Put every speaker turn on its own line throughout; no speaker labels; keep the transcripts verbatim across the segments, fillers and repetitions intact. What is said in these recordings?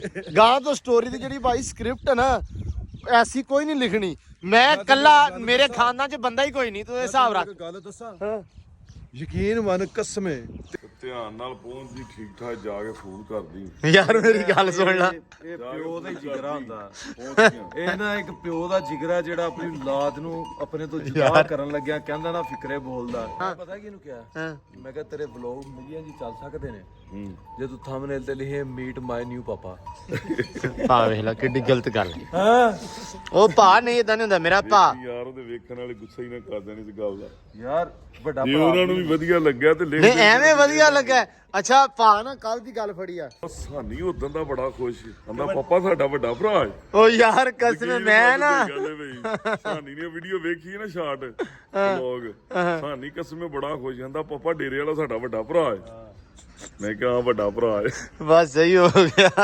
ਗਾਂ ਤੋਂ ਸਟੋਰੀ ਦੀ ਜਿਹੜੀ ਭਾਈ ਸਕ੍ਰਿਪਟ ਹੈ ਨਾ ਐਸੀ ਕੋਈ ਨਹੀਂ ਲਿਖਣੀ। ਮੈਂ ਕੱਲਾ ਮੇਰੇ ਖਾਨਦਾਨ ਚ ਬੰਦਾ ਹੀ ਕੋਈ ਨਹੀਂ, ਤੂੰ ਇਹ ਹਿਸਾਬ ਰੱਖ।
ਗੱਲ ਦੱਸਾਂ,
ਹਾਂ
ਯਕੀਨ ਮੰਨ ਕਸਮੇ
ਧਿਆਨ ਨਾਲ ਪਹੁੰਚਦੀ, ਠੀਕ ਠਾਕ ਜਾ ਕੇ ਫੋਨ ਕਰਦੀ।
ਯਾਰ ਮੇਰੀ ਗੱਲ ਸੁਣ ਲੈ,
ਇਹ ਪਿਓ ਦਾ ਹੀ ਜਿਗਰਾ ਹੁੰਦਾ।
ਪਹੁੰਚ ਗਿਆ।
ਇਹ ਨਾ ਇੱਕ ਪਿਓ ਦਾ ਜਿਗਰਾ ਜਿਹੜਾ ਆਪਣੀ ਔਲਾਦ ਨੂੰ ਆਪਣੇ ਤੋਂ ਜੁਦਾ ਕਰਨ ਲੱਗਿਆ ਕਹਿੰਦਾ ਨਾ ਫਿਕਰੇ ਬੋਲਦਾ। ਪਤਾ ਕੀ ਇਹਨੂੰ ਕਿਹਾ?
ਹਾਂ
ਮੈਂ ਕਿਹਾ ਤੇਰੇ ਵਲੌਗ ਮਿਲੀਅਨ ਜੀ ਚੱਲ ਸਕਦੇ ਨੇ
ਹੂੰ
ਜੇ ਤੂੰ ਥੰਬਨੇਲ ਤੇ ਲਿਖੇ ਮੀਟ ਮਾਈ ਨਿਊ ਪਾਪਾ।
ਭਾ ਵੇਖ ਲੈ ਕਿੱਡੀ ਗਲਤ ਗੱਲ ਹੈ।
ਹਾਂ
ਉਹ ਭਾ ਨਹੀਂ ਇਦਾਂ ਨਹੀਂ ਹੁੰਦਾ ਮੇਰਾ ਭਾ।
ਯਾਰ ਉਹਦੇ ਵੇਖਣ ਵਾਲੇ ਗੁੱਸਾ ਹੀ ਨਾ ਕਰ ਦੇਣ ਇਸ ਗੱਲ ਦਾ।
ਯਾਰ ਵੱਡਾ
ਜੇ ਉਹਨਾਂ ਨੂੰ ਵੀ ਵਧੀਆ ਲੱਗਿਆ ਤੇ ਲਿਖ
ਨਹੀਂ ਐਵੇਂ ਵਧੀਆ ਲੱਗਾ। ਅੱਛਾ ਭਾ ਨਾ ਕੱਲ ਦੀ ਗੱਲ ਫੜੀ ਆ,
ਸਾਨੀ ਉਦੋਂ ਦਾ ਬੜਾ ਖੁਸ਼ ਕਹਿੰਦਾ ਪਾਪਾ ਸਾਡਾ ਵੱਡਾ ਭਰਾ ਹੈ।
ਉਹ ਯਾਰ ਕਸਮ ਮੈਂ ਨਾ
ਸਾਨੀ ਨੇ ਵੀਡੀਓ ਵੇਖੀ ਨਾ ਸ਼ਾਰਟ ਵਲੌਗ, ਸਾਨੀ ਕਸਮੇ ਬੜਾ ਖੁਸ਼ ਕਹਿੰਦਾ ਪਾਪਾ ਡੇਰੇ ਵਾਲਾ ਸਾਡਾ ਵੱਡਾ ਭਰਾ ਹੈ। ਮੈਂ ਕਿਹਾ ਵੱਡਾ ਭਰਾ ਹੈ।
ਬਸ ਸਹੀ ਹੋ ਗਿਆ।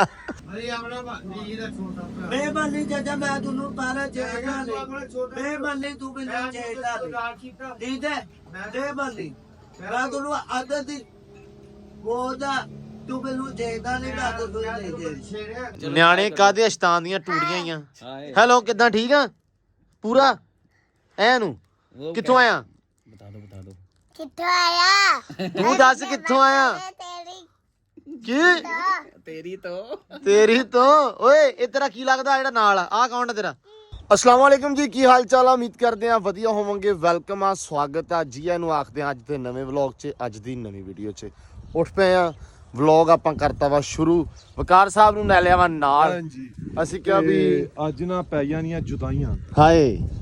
ਬੇਮਨੀ ਜੱਜਾ ਮੈਂ ਤੁਹਾਨੂੰ ਪਹਿਲਾਂ ਚਾਹੀਦਾ ਨਹੀਂ। ਬੇਮਨੀ ਤੂੰ ਮੈਨੂੰ ਚਾਹੀਦਾ ਨਹੀਂ। ਠੀਕ ਹੈ ਬੇਮਨੀ ਮੈਂ ਤੁਹਾਨੂੰ ਆਦਤ ਦੀ ਬੋਦਾ ਤੂੰ ਮੈਨੂੰ ਚਾਹੀਦਾ ਨਹੀਂ। ਮੈਂ ਤੁਹਾਨੂੰ ਨਹੀਂ ਦੇ
ਨਿਆਣੇ ਕਾਦੇ ਅਸ਼ਤਾਨ ਦੀਆਂ ਟੂੜੀਆਂ ਹੀ ਆ। ਹੈਲੋ ਕਿੱਦਾਂ ਠੀਕ ਆ ਪੂਰਾ ਐ ਨੂੰ ਕਿੱਥੋਂ ਆਇਆ?
ਬਤਾ ਦੋ ਬਤਾ ਦੋ
ਕਿੱਥੋਂ ਆਇਆ?
ਤੂੰ ਦੱਸ ਕਿੱਥੋਂ ਆਇਆ?
ਤੇਰੀ
ਕੀ
ਤੇਰੀ ਤੋਂ
ਤੇਰੀ ਤੋਂ? ਓਏ ਇਹ ਤੇਰਾ ਕੀ ਲੱਗਦਾ ਜਿਹੜਾ ਨਾਲ ਆ? ਆਹ ਕੌਣ ਆ ਤੇਰਾ? अस्सलाम वालेकुम जी, की हाल चाल? उम्मीद करते हैं वधिया होवोगे। वेलकम आ, स्वागत है जी ਨੂੰ ਆਖਦੇ ਆ ਅੱਜ ਦੇ ਨਵੇਂ ਵਲੌਗ 'ਚ, ਅੱਜ ਦੀ ਨਵੀਂ ਵੀਡੀਓ 'ਚ। ਉੱਠ ਪਏ ਆ, ਵਲੌਗ ਆਪਾਂ ਕਰਤਾ ਵਾ ਸ਼ੁਰੂ। ਵਕਾਰ ਸਾਹਿਬ ਨੂੰ ਲੈ ਲਿਆ ਵਾ ਨਾਲ।
ਹਾਂਜੀ
ਅਸੀਂ ਕਿਹਾ ਵੀ
ਅੱਜ ਨਾ ਪੈ ਜਾਣੀਆਂ ਜੁਦਾਈਆਂ।
ਹਾਏ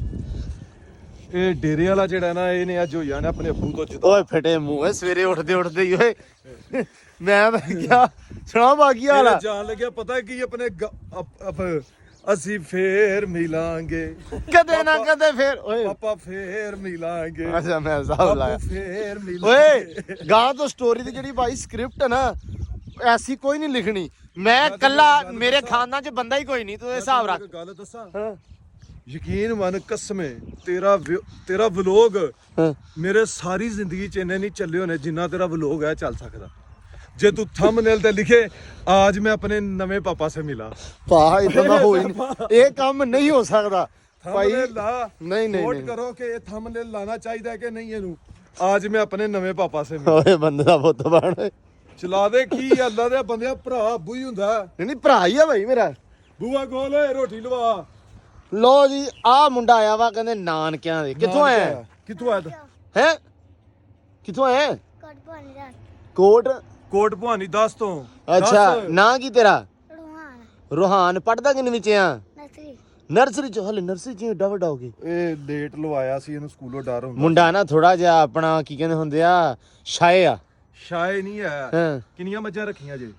ਇਹ ਡੇਰੇ ਵਾਲਾ ਜਿਹੜਾ ਨਾ ਇਹਨੇ ਅੱਜ ਹੋ ਜਾਣਾ ਆਪਣੇ ਅੱਬੂ ਤੋਂ ਜੁਦਾ।
ਓਏ ਫਟੇ ਮੂੰਹ, ਸਵੇਰੇ ਉੱਠਦੇ ਉੱਠਦੇ ਹੀ ਓਏ ਮੈਂ ਮੈਂ ਕਿਹਾ ਸੁਣਾ ਬਾਕੀ ਹਾਲ ਆ।
ਜਾਣ ਲੱਗਿਆ ਪਤਾ ਕੀ ਆਪਣੇ ਗ- ਅਪ- ਅਪ- ਅਸੀਂ ਫੇਰ ਮਿਲਾਂਗੇ
ਕਦੇ ਨਾ ਕਦੇ ਫੇਰ ਓਏ
ਪਾਪਾ ਫੇਰ ਮਿਲਾਂਗੇ
ਅੱਛਾ ਮੈਂ ਹਿਸਾਬ
ਬਾਪੂ
ਲਾਇਆ।
ਫੇਰ ਮਿਲਾਂਗੇ।
ਓਏ ਗਾਂ ਤੋਂ ਸਟੋਰੀ ਦੀ ਜਿਹੜੀ ਭਾਈ ਸਕ੍ਰਿਪਟ ਹੈ ਨਾ ਐਸੀ ਕੋਈ ਨਹੀਂ ਲਿਖਣੀ। ਮੈਂ ਕੱਲਾ ਮੇਰੇ ਖਾਨਦਾਨ ਚ ਬੰਦਾ ਹੀ ਕੋਈ ਨਹੀਂ, ਤੂੰ ਇਹ ਹਿਸਾਬ ਰੱਖ।
ਗੱਲ ਦੱਸਾਂ,
ਹਾਂ
ਯਕੀਨ ਮੰਨ ਕਸਮੇ ਤੇਰਾ ਵਿ- ਤੇਰਾ ਵਲੋਗ
ਹਾਂ
ਮੇਰੇ ਸਾਰੀ ਜ਼ਿੰਦਗੀ ਚ ਇੰਨੇ ਨਹੀਂ ਚੱਲੇ ਹੋਣੇ ਜਿੰਨਾ ਤੇਰਾ ਵਲੋਗ ਹੈ ਚੱਲ ਸਕਦਾ। ਜੇ ਤੂੰ ਥੰਬਨੇਲ ਤੇ ਲਿਖੇ आज मैं अपने नवे पापा से मिला,
ਭਾ ਇਦਾਂ ਦਾ ਹੋ ਹੀ ਨਹੀਂ, ਇਹ ਕੰਮ ਨਹੀਂ ਹੋ ਸਕਦਾ ਭਾਈ।
थंबनेल ला
नहीं, नहीं,
वोट
नहीं।
करो कि ये थंबनेल लाना चाहिए कि नहीं ਇਹਨੂੰ। आज मैं अपने नवे पापा से मिला।
ਓਏ ਬੰਦੇ ਦਾ ਪੁੱਤ ਬਣ।
ਚਲਾ ਦੇ ਕੀ ਅੱਲਾ ਦੇ ਬੰਦਿਆ, ਭਰਾ ਬੂਈ ਹੁੰਦਾ।
ਨਹੀਂ ਨਹੀਂ ਭਰਾ ਹੀ ਆ ਭਾਈ ਮੇਰਾ।
ਬੂਆ ਖੋਲ ਓਏ, ਰੋਟੀ ਲਵਾ।
ਲੋ ਜੀ ਆਹ ਮੁੰਡਾ ਆਇਆ ਵਾ ਕਹਿੰਦੇ ਨਾਨਕਿਆਂ ਦੇ। ਕਿੱਥੋਂ ਆਇਆ?
ਕਿੱਥੋਂ ਆਇਆ?
ਹੈ ਕਿੱਥੋਂ ਆਇਆ?
ਕੋਟ ਬਣ ਜਾ
ਕੋਟ।
ਕੋਟ ਭਵਾਨੀ ਦਸ ਤੋਂ।
ਅੱਛਾ
ਦਸ।
ਨਾਂ ਕੀ ਤੇਰਾ?
ਰੂਹਾਨ
ਰੋਹਾਨ। ਪੜਦਾ ਕਿੰਨੇ ਵਿੱਚ ਆ?
ਨਸਰੀ
ਨਰਸਰੀ ਚ? ਹਲੇ ਨਰਸਰੀ ਚ ਏਡਾ ਵੱਡਾ ਹੋ ਗਿਆ।
ਇਹ ਲੇਟ ਲਵਾਇਆ ਸੀ ਇਹਨੂੰ, ਸਕੂਲੋਂ ਡਰ ਹੁੰਦਾ।
ਮੁੰਡਾ ਨਾ ਥੋੜਾ ਜਿਹਾ ਆਪਣਾ ਕੀ ਕਹਿੰਦੇ ਹੁੰਦੇ ਆ ਸ਼ਾਏ ਆ।
ਸ਼ਾਇ ਨਹੀਂ ਹੈ।
ਹਾਂ
ਕਿੰਨੀਆਂ ਮੱਝਾਂ ਰੱਖੀਆਂ ਜੇ?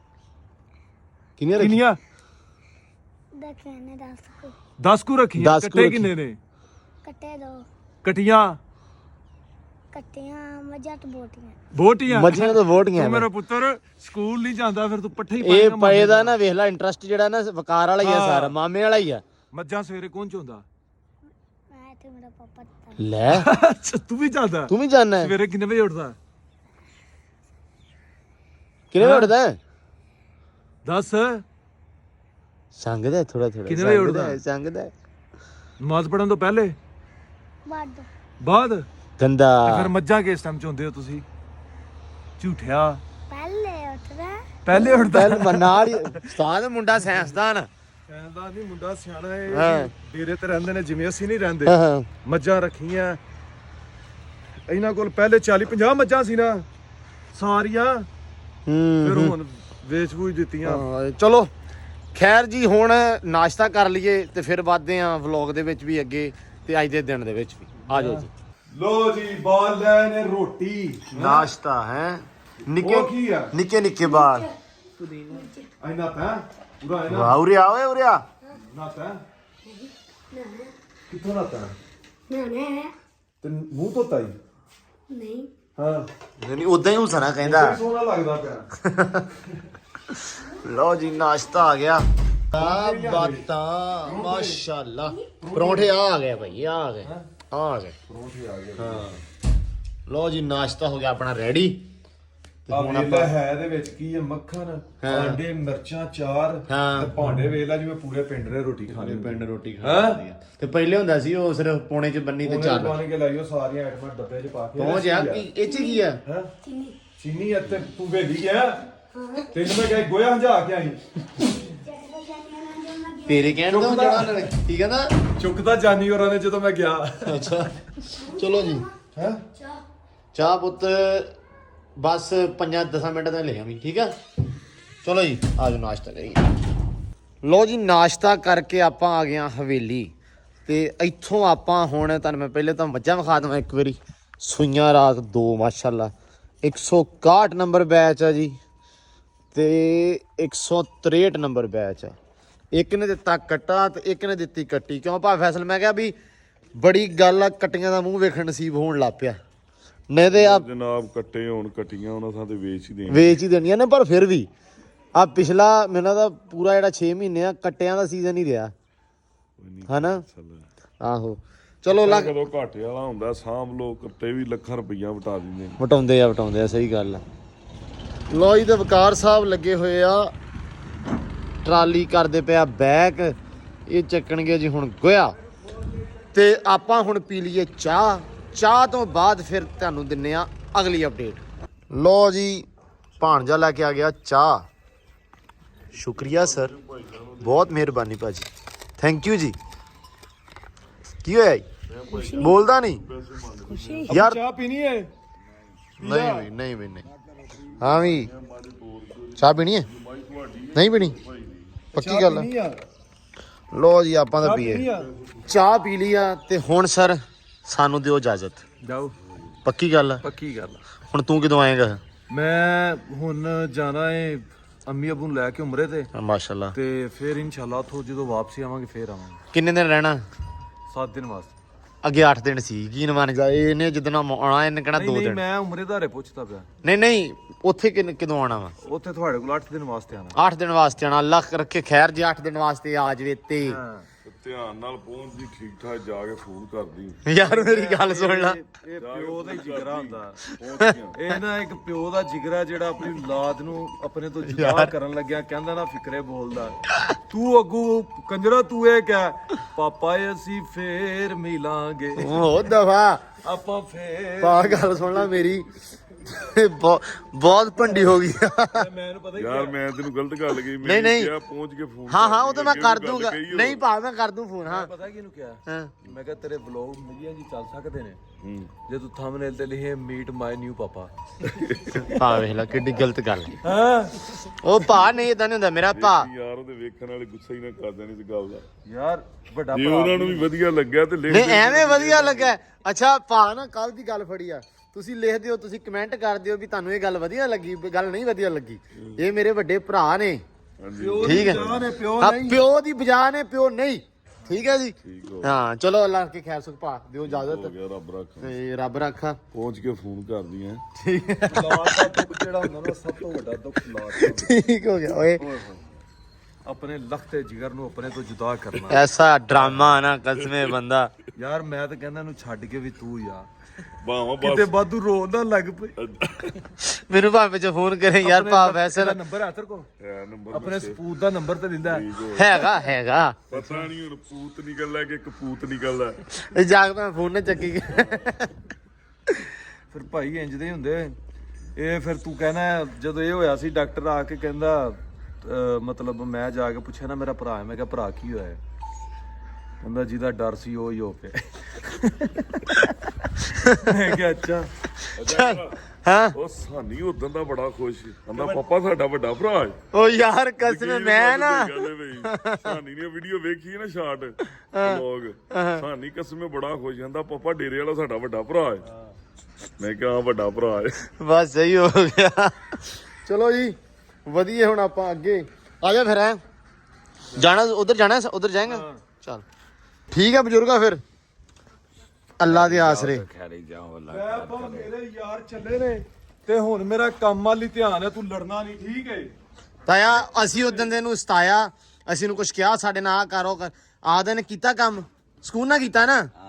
ਕਿੰਨੀਆਂ ਰੱਖੀ?
ਕਿੰਨੀਆਂ?
ਦੇਖਿਆ ਨੇ ਦੱਸ ਕੋ
ਦਸ ਕੁ ਰੱਖੀਆਂ।
ਦਸ ਕੁ
ਕੱਟੇ
ਰੱਖੀ-
ਕਿੰਨੇ ਨੇ?
ਕੱਟੇ ਦੋ
ਕਟੀਆਂ
ਕੱਟੀਆਂ ਮੱਝਾਂ ਤੇ ਬੋਟੀਆਂ।
ਬੋਟੀਆਂ।
ਮੱਝੀਆਂ ਤੋਂ ਵੋਟੀਆਂ
ਤੂੰ
ਨੇ।
ਮੇਰਾ ਪੁੱਤਰ ਸਕੂਲ ਨਹੀਂ ਜਾਂਦਾ, ਫਿਰ ਤੂੰ ਪੱਠੇ ਹੀ
ਇਹ
ਪਾਏਗਾ।
ਪਏ ਦਾ ਨਾ ਵੇਖ ਲੈ ਇੰਟਰਸਟ ਜਿਹੜਾ ਨਾ ਵਕਾਰ ਵਾਲਾ ਹੀ ਆ ਸਾਰਾ, ਮਾਮੇ ਵਾਲਾ ਹੀ ਆ।
ਮੱਝਾਂ ਸਵੇਰੇ ਕੌਣ ਚੋਂਦਾ?
ਮੈਂ ਤੇ ਮੇਰਾ ਪਾਪਾ ਦਿੱਤਾ।
ਲੈ
ਅੱਛਾ ਤੂੰ ਵੀ ਜਾਂਦਾ?
ਤੂੰ ਵੀ ਜਾਣਾ?
ਸਵੇਰੇ ਕਿੰਨੇ ਵਜੇ ਉੱਠਦਾ?
ਕਿੰਨੇ ਵਜੇ ਉੱਠਦਾ?
ਦਸ।
ਸੰਗਦਾ ਥੋੜਾ ਥੋੜਾ।
ਕਿੰਨੇ ਵਜੇ ਉੱਠਦਾ?
ਸੰਗਦਾ
ਨਮਾਜ਼ ਪੜਨ ਤੋਂ ਪਹਿਲੇ
ਬਾਦ
ਬਾਅਦ? ਤੇ
ਗੰਦਾ।
ਫਿਰ ਮੱਝਾਂ ਕਿਸ ਟਾਈਮ ਚੋਂਦੇ ਹੋ ਤੁਸੀਂ? ਝੂਠਿਆ।
ਪਹਿਲੇ ਉੱਠਦਾ
ਪਹਿਲੇ ਉੱਠਦਾ?
ਪਹਿਲ ਨਾਲ ਹੀ ਉਸਤਾਦ ਮੁੰਡਾ ਸਾਇੰਸਦਾਨ।
ਕਹਿੰਦਾ ਨਹੀਂ ਮੁੰਡਾ ਸਿਆਣਾ
ਹਾਂ।
ਹੈ। ਡੇਰੇ ਤੇ ਰਹਿੰਦੇ ਨੇ ਜਿਵੇਂ ਅਸੀਂ ਨਹੀਂ ਰਹਿੰਦੇ।
ਹਾਂ ਹਾਂ
ਮੱਝਾਂ ਰੱਖੀਆਂ ਇਹਨਾਂ ਕੋਲ ਪਹਿਲੇ ਚਾਲੀ ਪੰਜਾਹ ਮੱਝਾਂ ਸੀ ਨਾ ਸਾਰੀਆਂ, ਫਿਰ
ਹੂੰ
ਹੁਣ ਵੇਚ ਵੂਚ ਦਿੱਤੀਆਂ।
ਹਾਂ, ਚਲੋ ਖੈਰ ਜੀ ਹੁਣ ਨਾਸ਼ਤਾ ਕਰ ਲਈਏ ਤੇ ਫਿਰ ਵੱਧਦੇ ਆਂ ਵਲੌਗ ਦੇ ਵਿੱਚ ਵੀ ਅੱਗੇ ਤੇ ਅੱਜ ਦੇ ਦਿਨ ਦੇ ਵਿੱਚ ਵੀ। ਆ ਜਾਓ ਜੀ।
ਲੋ ਜੀ ਬਾਲ ਲੈ ਨੇ ਰੋਟੀ
ਨਾਸ਼ਤਾ ਹੈ ਨਿੱਕੇ
ਉਹ ਕੀ ਆ?
ਨਿੱਕੇ ਨਿੱਕੇ ਬਾਲ।
ਆਇਨਾ ਤਾਂ ਪੂਰਾ ਆਇਨਾ
ਵਾਹ ਉਰੇ ਆ ਓਏ ਉਰੇ ਆ।
ਨਾ ਤਾਂ ਕਿੱਥੋਂ ਨਾ ਤਾਂ
ਨਾ ਨਾ
ਤੇ ਮੂੰਹ ਧੋਤਾ ਹੀ?
ਨਹੀਂ
ਹਾਂ
ਨਹੀਂ ਉਦਾਂ ਹੀ ਹੁਸਨਾ ਕਹਿੰਦਾ।
ਬੜੀ ਸੋਹਣਾ ਲੱਗਦਾ ਪਿਆ।
ਲਓ ਜੀ ਨਾਸ਼ਤਾ ਆ ਗਿਆ। ਆ ਬਾਤਾਂ ਮਾਸ਼ਾਅੱਲਾ। ਪਰੌਂਠੇ ਆ ਆ ਗਏ ਭਾਈ, ਆ ਆ ਗਏ ਆ ਆ ਗਏ
ਪਰੌਂਠੇ ਆ ਗਏ।
ਹਾਂ। ਲਓ ਜੀ ਨਾਸ਼ਤਾ ਹੋ ਗਿਆ ਆਪਣਾ ਰੈਡੀ ਤੇ
ਆ
ਹੁਣ
ਵੇਲਾ
ਆਪਾਂ
ਹੈ ਇਹਦੇ ਵਿੱਚ ਕੀ ਹੈ, ਮੱਖਣ,
ਹਾਂ।
ਆਂਡੇ, ਮਿਰਚਾਂ, ਚਾਰ
ਹਾਂ।
ਤੇ ਭਾਂਡੇ ਵੇਲਾ ਜਿਵੇਂ ਪੂਰੇ ਪਿੰਡ ਨੇ ਰੋਟੀ ਖਾਣੀ
ਪਿੰਡ ਰੋਟੀ
ਹੈਂ?
ਖਾਂਦੀ ਆ ਤੇ ਪਹਿਲੇ ਹੁੰਦਾ ਸੀ ਉਹ ਸਿਰਫ ਪੌਣੇ ਚ ਬੰਨੀ ਤੇ
ਉਹਨੇ
ਚੱਲ
ਪਾਣੀ ਕੇ ਲਾਈਓ ਸਾਰੀਆਂ ਆਈਟਮਾਂ ਡੱਬੇ 'ਚ ਪਾ ਕੇ
ਪਹੁੰਚ ਆ ਕੀ ਇਹ ਚ ਕੀ ਆ
ਹੈ ਚੀਨੀ ਇੱਥੇ ਤੂੰ ਵੇਲੀ ਗਿਆ ਤੈਨੂੰ ਮੈਂ ਕਿਹਾ ਗੋਇਆ ਹੰਝਾ ਕੇ ਆਈ
ਤੇਰੇ ਕਹਿਣ ਤੋਂ
ਚੁੱਕਦਾ।
ਜਿਹੜਾ ਉਹਨਾਂ ਨੇ ਕੀ ਕਹਿੰਦਾ
ਚੁੱਕਦਾ ਜਾਨੀ ਹੋਰਾਂ ਨੇ ਜਦੋਂ ਮੈਂ ਗਿਆ
ਅੱਛਾ ਚਲੋ ਜੀ
ਹੈ
ਚਾਹ ਪੁੱਤ ਬਸ ਪੰਜਾਂ ਦਸਾਂ ਮਿੰਟ ਦਾ ਲੈ ਆਵੀਂ ਠੀਕ ਆ ਚਲੋ ਜੀ ਆਜੋ ਨਾਸ਼ਤਾ ਕਰੀਏ ਲੋ ਜੀ ਨਾਸ਼ਤਾ ਕਰਕੇ ਆਪਾਂ ਆ ਗਏ ਹਾਂ ਹਵੇਲੀ ਤੇ ਇੱਥੋਂ ਆਪਾਂ ਹੁਣ ਤੁਹਾਨੂੰ ਮੈਂ ਪਹਿਲੇ ਤਾਂ ਮੱਝਾਂ ਵਿਖਾ ਦਵਾਂ ਇੱਕ ਵਾਰੀ ਸੂਈਆਂ ਰਾਤ ਦੋ ਮਾਸ਼ਾਅੱਲਾ ਇੱਕ ਸੌ ਇਕਾਹਠ ਨੰਬਰ ਬੈਚ ਆ ਜੀ ਤੇ ਇੱਕ ਸੌ ਤਰੇਹਠ ਨੰਬਰ ਬੈਚ ਆ ਇੱਕ ਨੇ ਦਿੱਤਾ ਕੱਟਾ ਤੇ ਇੱਕ ਨੇ ਦਿੱਤੀ ਕੱਟੀ ਕਿਉਂ ਭਾ ਫੈਸਲ ਮੈਂ ਕਿਹਾ ਵੀ ਬੜੀ ਗੱਲ ਆ ਕੱਟੀਆਂ ਦਾ ਮੂੰਹ ਵੇਖਣ ਨਸੀਬ ਹੋਣ ਲੱਗ ਪਿਆ ਨਹੀਂ ਤੇ ਆ
ਜਨਾਬ ਕੱਟੇ ਹੋਣ ਕੱਟੀਆਂ ਉਹਨਾਂ ਥਾਂ ਤੇ ਵੇਚ ਹੀ ਦੇਣ
ਵੇਚ ਹੀ ਦੇਣੀਆਂ ਨੇ ਪਰ ਫਿਰ ਵੀ ਆ ਪਿਛਲਾ ਮੈਨੂੰ ਦਾ ਪੂਰਾ ਜਿਹੜਾ ਛੇ ਮਹੀਨੇ ਆ ਕੱਟਿਆਂ ਦਾ ਸੀਜ਼ਨ ਹੀ ਰਿਹਾ ਹਨਾ ਆਹੋ ਚਲੋ ਲੱਗ
ਕਦੋਂ ਘਾਟੇ ਵਾਲਾ ਹੁੰਦਾ ਸਾਂਭ ਲੋ ਕੱਟੇ ਵੀ ਲੱਖਾਂ ਰੁਪਈਆ ਵਟਾ ਦਿੰਦੇ ਨੇ
ਵਟਾਉਂਦੇ ਆ ਵਟਾਉਂਦੇ ਆ ਸਹੀ ਗੱਲ ਆ ਲੋ ਜੀ ਤੇ ਵਕਾਰ ਸਾਹਿਬ ਲੱਗੇ ਹੋਏ ਆ ਟਰਾਲੀ ਕਰਦੇ ਪਿਆ ਬੈਕ ਇਹ ਚੱਕਣਗੇ ਜੀ ਹੁਣ ਗੋਇਆ ਤੇ ਆਪਾਂ ਹੁਣ ਪੀ ਲਈਏ ਚਾਹ ਚਾਹ ਤੋਂ ਬਾਅਦ ਫਿਰ ਤੁਹਾਨੂੰ ਦਿੰਨੇ ਆ ਅਗਲੀ ਅਪਡੇਟ ਲੋ ਜੀ ਭਾਣਜਾ ਲੈ ਕੇ ਆ ਗਿਆ ਚਾਹ ਸ਼ੁਕਰੀਆ ਸਰ ਬਹੁਤ ਮਿਹਰਬਾਨੀ ਭਾਜੀ ਥੈਂਕ ਯੂ ਜੀ ਕੀ ਹੋਇਆ ਜੀ ਬੋਲਦਾ ਨਹੀਂ ਯਾਰ
ਚਾਹ ਪੀਣੀ ਹੈ
ਨਹੀਂ ਵੀ ਨਹੀਂ ਵੀ ਨਹੀਂ ਹਾਂ ਵੀ ਚਾਹ ਪੀਣੀ ਹੈ ਨਹੀਂ ਪੀਣੀ ਪੱਕੀ ਗੱਲ ਹੈ ਲੋ ਜੀ ਆਪਾਂ ਤਾਂ ਪੀਏ ਚਾਹ ਪੀ ਲਈ ਆ ਤੇ ਹੁਣ ਸਰ ਸਾਨੂੰ ਦਿਓ ਇਜਾਜ਼ਤ
ਜਾਓ
ਪੱਕੀ ਗੱਲ ਆ
ਪੱਕੀ ਗੱਲ
ਹੁਣ ਤੂੰ ਕਦੋਂ ਆਏਗਾ
ਮੈਂ ਹੁਣ ਜਾਣਾ ਏ ਅੰਮੀ ਅਬੂ ਨੂੰ ਲੈ ਕੇ ਉਮਰੇ ਤੇ
ਮਾਸ਼ਾਅੱਲਾ
ਤੇ ਫਿਰ ਇਨਸ਼ਾਅੱਲਾ ਉੱਥੋਂ ਜਦੋਂ ਵਾਪਸੀ ਆਵਾਂਗੇ ਫਿਰ ਆਵਾਂਗੇ
ਕਿੰਨੇ ਦਿਨ ਰਹਿਣਾ
ਸੱਤ ਦਿਨ ਵਾਸਤੇ
ਅੱਗੇ ਅੱਠ ਦਿਨ ਸੀ ਕੀ ਨਵਾਨ ਜਾ ਇਹਨੇ ਜਿੱਦਣ ਆਉਣਾ ਇਹਨੇ ਕਹਿਣਾ
ਨਹੀਂ
ਦੋ
ਨਹੀਂ
ਦਿਨ
ਮੈਂ ਉਮਰੇ ਧਾਰੇ ਪੁੱਛਦਾ ਪਿਆ
ਨਹੀਂ ਨਹੀਂ ਉੱਥੇ ਕਿੰਨ- ਕਦੋਂ ਆਉਣਾ ਵਾ
ਉੱਥੇ ਤੁਹਾਡੇ ਕੋਲ ਅੱਠ ਦਿਨ ਵਾਸਤੇ ਆਣਾ
ਅੱਠ ਦਿਨ ਵਾਸਤੇ ਆਉਣਾ ਅੱਲਾ ਰੱਖੇ ਖੈਰ ਜੇ ਅੱਠ ਦਿਨ ਵਾਸਤੇ ਆ ਜਵੇ ਤੇ
ਧਿਆਨ ਨਾਲ ਪਹੁੰਚਦੀ ਠੀਕ ਠਾਕ ਜਾ ਕੇ ਫੋਨ ਕਰਦੀ
ਯਾਰ ਮੇਰੀ ਗੱਲ ਸੁਣ ਲੈ
ਇਹ ਪਿਓ ਦਾ ਹੀ ਜਿਗਰਾ ਹੁੰਦਾ
ਪਹੁੰਚ ਗਿਆ
ਇਹ ਨਾ ਇੱਕ ਪਿਓ ਦਾ ਜਿਗਰਾ ਜਿਹੜਾ ਆਪਣੀ ਔਲਾਦ ਨੂੰ ਆਪਣੇ ਤੋਂ ਜੁਦਾ ਕਰਨ ਲੱਗਿਆ ਕਹਿੰਦਾ ਨਾ ਫਿਕਰੇ ਬੋਲਦਾ ਤੂੰ ਅੱਗੂ ਕੰਜਰਾ ਤੂੰ ਇਹ ਕਹਿ ਪਾਪਾ ਅਸੀਂ ਫੇਰ ਮਿਲਾਂਗੇ
ਉਹ ਦਫਾ
ਆਪਾਂ ਫੇਰ
ਪਾ ਗੱਲ ਸੁਣ ਲੈ ਮੇਰੀ ਬਹੁਤ ਬਹੁਤ ਭੰਡੀ ਹੋ ਗਈ
ਮੈਨੂੰ ਪਤਾ ਹੀ
ਯਾਰ ਮੈਂ ਤੈਨੂੰ ਗਲਤ ਗੱਲ ਕਹੀ
ਨਹੀਂ,
ਮੈਂ
ਨਹੀਂ।
ਕਿਹਾ ਪਹੁੰਚ ਕੇ ਫੋਨ
ਹਾਂ ਹਾਂ ਉਹ ਤਾਂ ਮੈਂ
ਅੱਗੇ
ਕਰ
ਨੂੰ ਗੱਲ
ਦੂੰਗਾ
ਕਹੀ
ਨਹੀਂ ਭਾ ਮੈਂ ਕਰ ਦੂੰ ਫੋਨ ਹਾਂ
ਪਤਾ ਕਿਹਨੂੰ ਕਿਹਾ
ਹਾਂ
ਮੈਂ ਕਿਹਾ ਤੇਰੇ ਵਲੌਗ ਮਿਲੀਆਂ ਜੀ ਚੱਲ ਸਕਦੇ ਨੇ
ਹੂੰ।
ਜੇ ਤੂੰ ਥੰਬਨੇਲ ਤੇ ਲਿਖੇ ਮੀਟ ਮਾਈ ਨਿਊ ਪਾਪਾ
ਭਾ ਵੇਖ ਲੈ ਕਿੱਡੀ ਗਲਤ ਗੱਲ ਹੈ।
ਹਾਂ
ਉਹ ਭਾ ਨਹੀਂ ਇਦਾਂ ਨਹੀਂ ਹੁੰਦਾ ਮੇਰਾ ਭਾ
ਯਾਰ ਉਹਦੇ ਵੇਖਣ ਵਾਲੇ ਗੁੱਸਾ ਹੀ ਨਾ ਕਰ ਦੇਣ ਇਸ ਗੱਲ ਦਾ
ਯਾਰ ਵੱਡਾ
ਜੇ
ਭਰਾ
ਉਹਨਾਂ ਨੂੰ ਵੀ ਵਧੀਆ ਲੱਗਿਆ ਤੇ ਲਿਖ
ਨਹੀਂ
ਦੇ।
ਐਵੇਂ ਵਧੀਆ ਲੱਗਾ ਅੱਛਾ ਭਾ ਨਾ ਕੱਲ ਦੀ ਗੱਲ ਫੜੀ ਆ ਤੁਸੀਂ ਲਿਖ ਦਿਓ ਤੁਸੀਂ ਕਮੈਂਟ ਕਰ ਦਿਓ ਵੀ ਤੁਹਾਨੂੰ ਇਹ ਗੱਲ ਵਧੀਆ ਲੱਗੀ ਵੀ ਗੱਲ ਨਹੀਂ ਵਧੀਆ ਲੱਗੀ ਇਹ ਮੇਰੇ ਵੱਡੇ ਭਰਾ ਨੇ
ਹਾਂਜੀ
ਠੀਕ ਹੈ
ਨੇ ਪਿਓ
ਹਾਂ ਪਿਓ ਦੀ ਬਜਾ ਨੇ ਪਿਓ ਨਹੀਂ ਠੀਕ ਹੈ ਜੀ
ਠੀਕ ਹੋ
ਹਾਂ ਚਲੋ ਅੱਲਾਹ ਕੇ ਖੈਰ ਸੁਖ ਭਾ ਦਿਓ ਇਜਾਜ਼ਤ
ਗਿਆ ਰੱਬ ਰੱਖਾ
ਤੇ ਰੱਬ ਰੱਖਾ
ਪਹੁੰਚ ਕੇ ਫੋਨ ਕਰਦੀ ਐ
ਔਲਾਦ ਦਾ ਦੁੱਖ ਜਿਹੜਾ ਹੁੰਦਾ ਨਾ ਸਭ ਤੋਂ ਵੱਡਾ ਦੁੱਖ ਔਲਾਦ ਦਾ
ਠੀਕ ਹੋ ਗਿਆ ਓਏ
ਆਪਣੇ ਲਖਤੇ ਜਿਗਰ ਨੂੰ ਆਪਣੇ ਤੋਂ ਜੁਦਾ ਕਰਨਾ
ਐਸਾ ਡਰਾਮਾ ਨਾ ਕਸਮੇ ਬੰਦਾ
ਯਾਰ ਮੈਂ ਤਾਂ ਕਹਿੰਦਾ ਇਹਨੂੰ ਛੱਡ ਕੇ ਵੀ ਤੂੰ ਯਾਰ
ਬਾਹਾਂ
ਕਿਤੇ
ਬਸ
ਬਾਦੂ ਰੋਣ ਨਾ ਲੱਗ ਪਈ
ਮੈਨੂੰ ਭਾਵੇਂ ਚ ਫੋਨ ਕਰੇ ਯਾਰ ਭਾ ਵੈਸੇ
ਦਾ ਨੰਬਰ ਹੈ ਤੇਰੇ ਕੋਲ
ਹੈ ਨੰਬਰ
ਆਪਣੇ ਸਪੂਤ ਦਾ ਨੰਬਰ ਤੇ ਦਿੰਦਾ
ਹੈਗਾ ਹੈਗਾ
ਪਤਾ ਨਹੀਂ ਹੁਣ ਪੂਤ ਨਿਕਲਦਾ ਕਿ ਕਪੂਤ ਨਿਕਲਦਾ
ਇਹ ਜਾਗ ਮੈਂ ਫੋਨ ਨਾ ਚੱਕੀ
ਫਿਰ ਭਾਈ ਇੰਜ ਦੇ ਹੁੰਦੇ ਇਹ ਫਿਰ ਤੂੰ ਕਹਿਣਾ ਜਦੋਂ ਇਹ ਹੋਇਆ ਸੀ ਡਾਕਟਰ ਆ ਕੇ ਕਹਿੰਦਾ ਅਹ ਮਤਲਬ ਮੈਂ ਜਾ ਕੇ ਪੁੱਛਿਆ ਨਾ ਮੇਰਾ ਭਰਾ ਹੈ ਮੈਂ ਕਿਹਾ ਭਰਾ ਕੀ ਹੋਇਆ ਹੈ? ਕਹਿੰਦਾ ਜਿਹਦਾ ਡਰ ਸੀ ਉਹ ਹੀ ਹੋ ਪਿਆ ਮੈਂ ਕਿਹਾ ਅੱਛਾ
ਹਾਂ
ਉਹ ਸਾਨੀ ਉਦੋਂ ਦਾ ਬੜਾ ਖੁਸ਼ ਕਹਿੰਦਾ ਪਾਪਾ ਸਾਡਾ ਵੱਡਾ ਭਰਾ ਹੈ
ਉਹ ਯਾਰ ਕਸਮ ਮੈਂ ਨਾ
ਸਾਨੀ ਨੇ ਵੀਡੀਓ ਵੇਖੀ ਹੈ ਨਾ ਸ਼ਾਰਟ ਵਲੌਗ ਸਾਨੀ ਕਸਮੇ ਬੜਾ ਖੁਸ਼ ਕਹਿੰਦਾ ਪਾਪਾ ਡੇਰੇ ਵਾਲਾ ਸਾਡਾ ਵੱਡਾ ਭਰਾ ਹੈ ਮੈਂ ਕਿਹਾ ਹਾਂ ਵੱਡਾ ਭਰਾ ਹੈ
ਬਸ ਸਹੀ ਹੋ ਗਿਆ ਚਲੋ ਜੀ ਵਧੀਆ ਹੁਣ ਆਪਾਂ ਅੱਗੇ ਆ ਜਾ ਫਿਰ ਐ ਜਾਣਾ ਉਧਰ ਜਾਣਾ ਉਧਰ ਜਾਏਗਾ ਚਲ ਠੀਕ ਹੈ ਬਜ਼ੁਰਗਾ ਫਿਰ ਅੱਲਾ ਦੇ ਆਸਰੇ
ਮੈਂ ਬਾ ਮੇਰੇ ਯਾਰ ਚੱਲੇ ਨੇ ਤੇ ਹੁਣ ਮੇਰਾ ਕੰਮ ਵਾਲੀ ਧਿਆਨ ਹੈ ਤੂੰ ਲੜਨਾ ਨਹੀਂ ਠੀਕ ਹੈ
ਤਾਇਆ ਅਸੀਂ ਉਦੋਂ ਦੇ ਨੂੰ ਸਤਾਇਆ ਅਸੀਂ ਨੂੰ ਕੁਝ ਕਿਹਾ ਸਾਡੇ ਨਾਲ ਆ ਕਰੋ ਕਰ ਆਦੇ ਨੇ ਕੀਤਾ ਕੰਮ ਸਕੂਨ ਨਾ ਕੀਤਾ ਨਾ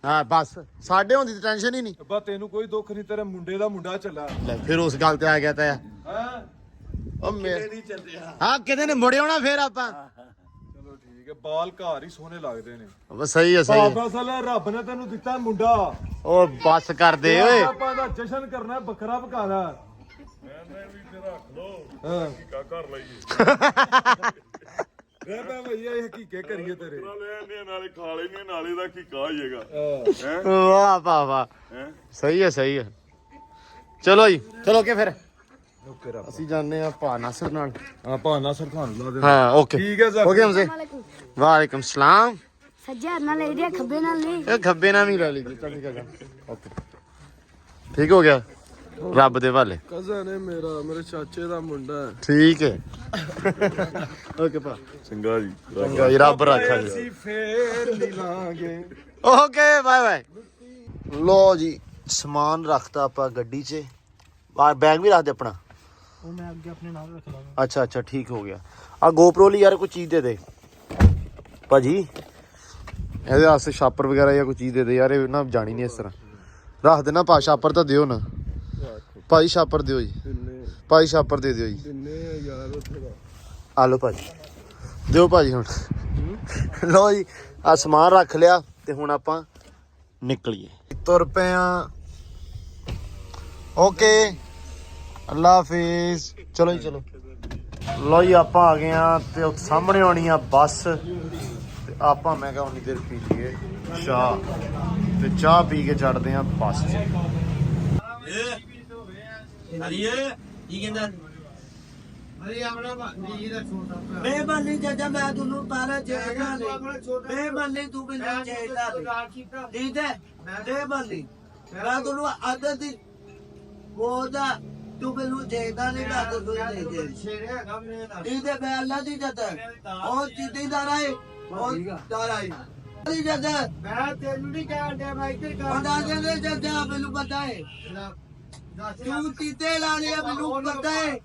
ਹਾਂ ਬਸ ਸਾਡੇ ਹੁੰਦੀ ਤੇ ਟੈਨਸ਼ਨ ਹੀ ਨਹੀਂ।
ਬਾ ਤੈਨੂੰ ਕੋਈ ਦੁੱਖ ਨਹੀਂ, ਤੇਰੇ ਮੁੰਡੇ ਦਾ ਮੁੰਡਾ ਚੱਲਾ
ਲੈ ਫਿਰ ਉਸ ਗੱਲ ਤੇ ਆ ਗਿਆ ਤਾਂ
ਹੈ।
ਉਹ ਮੇਰੇ ਨਹੀਂ ਚੱਲਿਆ ਹਾਂ ਕਿਤੇ ਨੇ ਮੁੜੇ ਆਉਣਾ ਫਿਰ ਆਪਾਂ।
ਚਲੋ ਠੀਕ ਹੈ, ਬਾਲ ਘਰ ਹੀ ਸੋਹਣੇ ਲੱਗਦੇ ਨੇ।
ਬਸ ਸਹੀ ਹੈ ਸਹੀ ਹੈ।
ਬਾਬਾ ਸਾਲਾ ਰੱਬ ਨੇ ਤੈਨੂੰ ਦਿੱਤਾ ਮੁੰਡਾ,
ਉਹ ਬਸ ਕਰ ਦੇ ਓਏ।
ਆਪਾਂ ਦਾ ਜਸ਼ਨ ਕਰਨਾ, ਬੱਕਰਾ ਪਕਾਣਾ।
ਮੈਂ ਵੀ ਤੇ ਰੱਖ ਲੋ
ਹਾਂ
ਕਾ ਕਰ ਲਈਏ
ਰਹਿ ਪੈ ਭਈਆ, ਇਹ ਹਕੀਕੇ ਕਰੀਏ ਤੇਰੇ।
ਨਾਲੇ ਇਹਨੇ ਨਾਲੇ ਖਾ ਲੈਨੇ ਨਾਲੇ ਦਾ ਕੀ ਕਹਾ ਜਾਏਗਾ ਹੈ
ਵਾਹ ਵਾਹ ਵਾਹ
ਹੈ
ਸਹੀ ਹੈ ਸਹੀ ਹੈ। ਚਲੋ ਜੀ ਚਲੋ ਕੇ ਫਿਰ
ਓਕੇ ਰੱਬ।
ਅਸੀਂ ਜਾਂਦੇ ਆ ਭਾ ਨਾਸਰ ਨਾਲ।
ਹਾਂ ਭਾਨਾ ਸਰ ਤੁਹਾਨੂੰ ਲਾ ਦੇ।
ਹਾਂ ਓਕੇ
ਠੀਕ ਹੈ ਸਰ।
ਹੋ ਗਿਆ ਹਮਸੇ ਵਾਲੇਕੁਮ ਸਲਾਮ।
ਸੱਜੇ ਹੱਥ ਨਾਲ ਲੈ ਰਿਹਾ ਖੱਬੇ ਨਾਲ ਨਹੀਂ।
ਇਹ ਖੱਬੇ ਨਾਲ ਵੀ ਲੈ ਲਈ ਜੀ। ਚੱਲ ਠੀਕ ਹੈ ਓਕੇ ਠੀਕ ਹੋ ਗਿਆ ਰੱਬ ਦੇ ਹਵਾਲੇ।
ਕਜ਼ਨ ਹੈ ਮੇਰਾ, ਮੇਰੇ ਚਾਚੇ ਦਾ ਮੁੰਡਾ ਹੈ।
ਠੀਕ ਹੈ ਓਕੇ ਭਾ
ਚੰਗਾ ਜੀ
ਚੰਗਾ ਜੀ ਰੱਬ ਰੱਖਾ ਜੀ।
ਅਸੀਂ ਫੇਰ ਮਿਲਾਂਗੇ।
Okay bye bye. ਲੋ ਜੀ ਸਮਾਨ ਰੱਖਤਾ ਆਪਾਂ ਗੱਡੀ 'ਚ। ਬਾਹਰ ਬੈਗ ਵੀ ਰੱਖ ਦੇ ਆਪਣਾ।
ਉਹ ਮੈਂ ਅੱਗੇ ਆਪਣੇ ਨਾਲ ਰੱਖ ਲਾਂਗਾ।
ਅੱਛਾ ਅੱਛਾ ਠੀਕ ਹੋ ਗਿਆ। ਆ ਗੋਪਰੋ ਲਈ ਯਾਰ ਕੋਈ ਚੀਜ਼ ਦੇ ਦੇ ਭਾਜੀ, ਇਹਦੇ ਵਾਸਤੇ ਛਾਪਰ ਵਗੈਰਾ ਜਾਂ ਕੋਈ ਚੀਜ਼ ਦੇ ਦੇ ਯਾਰ। ਇਹ ਨਾ ਜਾਣੀ ਨਹੀਂ ਇਸ ਤਰ੍ਹਾਂ ਰੱਖ ਦੇਣਾ। ਪਾ ਛਾਪਰ ਤਾਂ ਦਿਓ ਨਾ ਭਾਈ, ਛਾਪਰ ਦਿਓ ਜੀ ਭਾਈ, ਛਾਪਰ ਦੇ ਦਿਓ ਜੀ।
ਕਿੰਨੇ ਯਾਰ ਉੱਥੇ ਦਾ
ਆ ਲਓ ਭਾਜੀ, ਦਿਓ ਭਾਜੀ ਹੁਣ। ਲਓ ਜੀ ਆ ਸਮਾਨ ਰੱਖ ਲਿਆ ਤੇ ਹੁਣ ਆਪਾਂ ਨਿਕਲੀਏ। ਤੁਰ ਪਏ ਆ। ਓਕੇ ਅੱਲਾ ਹਾਫਿਜ਼। ਚਲੋ ਜੀ ਚਲੋ। ਲਓ ਜੀ ਆਪਾਂ ਆ ਗਏ ਆ ਤੇ ਉੱਥੇ ਸਾਹਮਣੇ ਆਉਣੀ ਆ ਬੱਸ ਤੇ ਆਪਾਂ ਮੈਂ ਕਿਹਾ ਉਨੀ ਦੇਰ ਪੀ ਲਈਏ ਚਾਹ ਤੇ ਚਾਹ ਪੀ ਕੇ ਚੜਦੇ ਆ ਬੱਸ 'ਚ।
ਕੀ ਕਹਿੰਦਾ ਬੇਮਨੀ ਚਾਚਾ ਮੈਂ ਤੁਹਾਨੂੰ ਪਹਿਲਾਂ ਚਾਹੀਦਾ ਨਹੀਂ। ਬੇਮਨੀ ਤੂੰ ਮੈਨੂੰ ਚਾਹੀਦਾ ਨਹੀਂ। ਠੀਕ ਹੈ ਬੇਮਨੀ ਮੈਂ ਤੁਹਾਨੂੰ ਆਦਤ ਦੀ ਉਹਦਾ ਤੂੰ ਮੈਨੂੰ ਚਾਹੀਦਾ ਨਹੀਂ। ਮੈਂ ਤੁਹਾਨੂੰ ਨਹੀਂ ਚਾਹੀਦਾ। ਠੀਕ ਹੈ ਮੈਂ ਅੱਲਾ ਦੀ ਜਦ ਉਹ ਜਿੱਦੀ ਦਾ ਰਾਏ ਉਹ ਦਾਰਾਈ ਦੀ ਜਦ ਮੈਂ ਤੈਨੂੰ ਨਹੀਂ ਕਹਿੰਦਾ ਮੈਂ ਇੱਥੇ ਕਹਿੰਦਾ ਜਦ ਜਦ ਮੈਨੂੰ ਪਤਾ ਹੈ ਤੂੰ ਤੀਤੇ ਲਾ ਲਿਆ ਮੈਨੂੰ ਪਤਾ ਹੈ।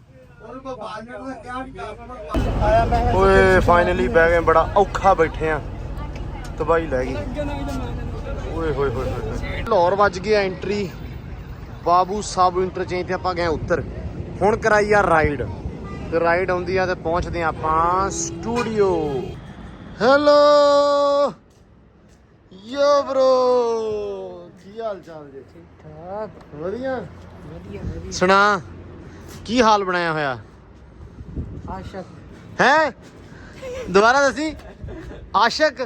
ਓਏ ਫਾਈਨਲੀ ਬਹਿ ਗਏ। ਬੜਾ ਔਖਾ ਬੈਠੇ ਆ, ਤਬਾਹੀ ਲੈ ਗਈ। ਓਏ ਹੋਏ ਹੋਏ ਹੋਏ ਲਾਹੌਰ ਵੱਜ ਗਿਆ ਐਂਟਰੀ। ਬਾਬੂ ਸਾਹਿਬ ਇੰਟਰਚੇਂਜ ਤੇ ਆਪਾਂ ਗਏ ਉੱਤਰ। ਹੁਣ ਕਰਾਈ ਆ ਰਾਈਡ ਤੇ ਰਾਈਡ ਆਉਂਦੀ ਆ ਤੇ ਪਹੁੰਚਦੇ ਆ ਆਪਾਂ ਸਟੂਡੀਓ। ਹੈਲੋ ਯੋ ਬ్రో ਕੀ ਹਾਲ ਚਾਲ ਜੀ? ਠੀਕ ਠਾਕ ਵਧੀਆ ਵਧੀਆ ਵਧੀਆ। ਸੁਣਾ ਕੀ ਹਾਲ ਬਣਾਇਆ ਹੋਇਆ? ਆਸ਼ਕ ਹੈ ਦੁਬਾਰਾ ਦੱਸੀ। ਆਸ਼ਕ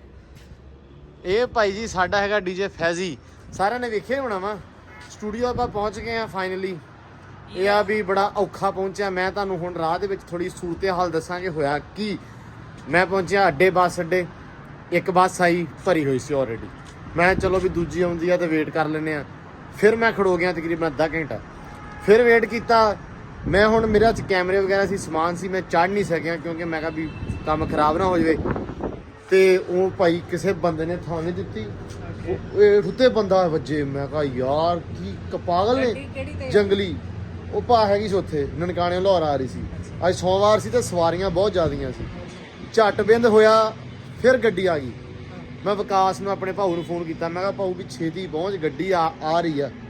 ਇਹ ਭਾਈ ਜੀ ਸਾਡਾ ਹੈਗਾ ਡੀਜੇ ਫੈਜ਼ੀ। ਸਾਰਿਆਂ ਨੇ ਵੇਖਿਆ ਹੋਣਾ ਵਾ। ਸਟੂਡੀਓ ਆਪਾਂ ਪਹੁੰਚ ਗਏ ਆ ਫਾਈਨਲੀ। ਇਹ ਆ ਵੀ ਬੜਾ ਔਖਾ ਪਹੁੰਚਿਆ। ਮੈਂ ਤੁਹਾਨੂੰ ਹੁਣ ਰਾਹ ਦੇ ਵਿੱਚ ਥੋੜੀ ਸੂਰਤ ਹਾਲ ਦੱਸਾਂਗੇ ਹੋਇਆ ਕੀ। ਮੈਂ ਪਹੁੰਚਿਆ ਅੱਡੇ ਬੱਸ ਅੱਡੇ। ਇੱਕ ਬੱਸ ਆਈ ਭਰੀ ਹੋਈ ਸੀ ਆਲਰੇਡੀ। ਮੈਂ ਚਲੋ ਵੀ ਦੂਜੀ ਆਉਂਦੀ ਆ ਤੇ ਵੇਟ ਕਰ ਲੈਂਦੇ ਆ। ਫਿਰ ਮੈਂ ਖੜੋ ਗਿਆ ਤਕਰੀਬਨ ਅੱਧਾ ਘੰਟਾ। ਫਿਰ ਵੇਟ ਕੀਤਾ। ਮੈਂ ਹੁਣ ਮੇਰੇ ਹੱਥ ਕੈਮਰੇ ਵਗੈਰਾ ਸੀ, ਸਮਾਨ ਸੀ, ਮੈਂ ਚੜ੍ਹ ਨਹੀਂ ਸਕਿਆ ਕਿਉਂਕਿ ਮੈਂ ਕਿਹਾ ਵੀ ਕੰਮ ਖਰਾਬ ਨਾ ਹੋ ਜਾਵੇ। ਤੇ ਉਹ ਭਾਈ ਕਿਸੇ ਬੰਦੇ ਨੇ ਥਾਂ ਨਹੀਂ ਦਿੱਤੀ। ਉਹ ਇਹ ਉੱਤੇ ਬੰਦਾ ਵੱਜੇ। ਮੈਂ ਕਿਹਾ ਯਾਰ ਕੀ ਪਾਗਲ ਨੇ ਜੰਗਲੀ। ਉਹ ਭਾ ਹੈਗੀ ਸੀ ਉੱਥੇ ਨਨਕਾਣੇ ਲਾਹੌਰ ਆ ਰਹੀ ਸੀ। ਅੱਜ ਸੋਮਵਾਰ ਸੀ ਤੇ ਸਵਾਰੀਆਂ ਬਹੁਤ ਜ਼ਿਆਦੀਆਂ ਸੀ। ਝੱਟ ਬਿੰਦ ਹੋਇਆ ਫਿਰ ਗੱਡੀ ਆ ਗਈ। ਮੈਂ ਵਿਕਾਸ ਨੂੰ ਆਪਣੇ ਭਾਊ ਨੂੰ ਫੋਨ ਕੀਤਾ। ਮੈਂ ਕਿਹਾ ਭਾਊ ਵੀ ਛੇਤੀ ਪਹੁੰਚ, ਗੱਡੀ ਆ ਆ ਰਹੀ ਆ।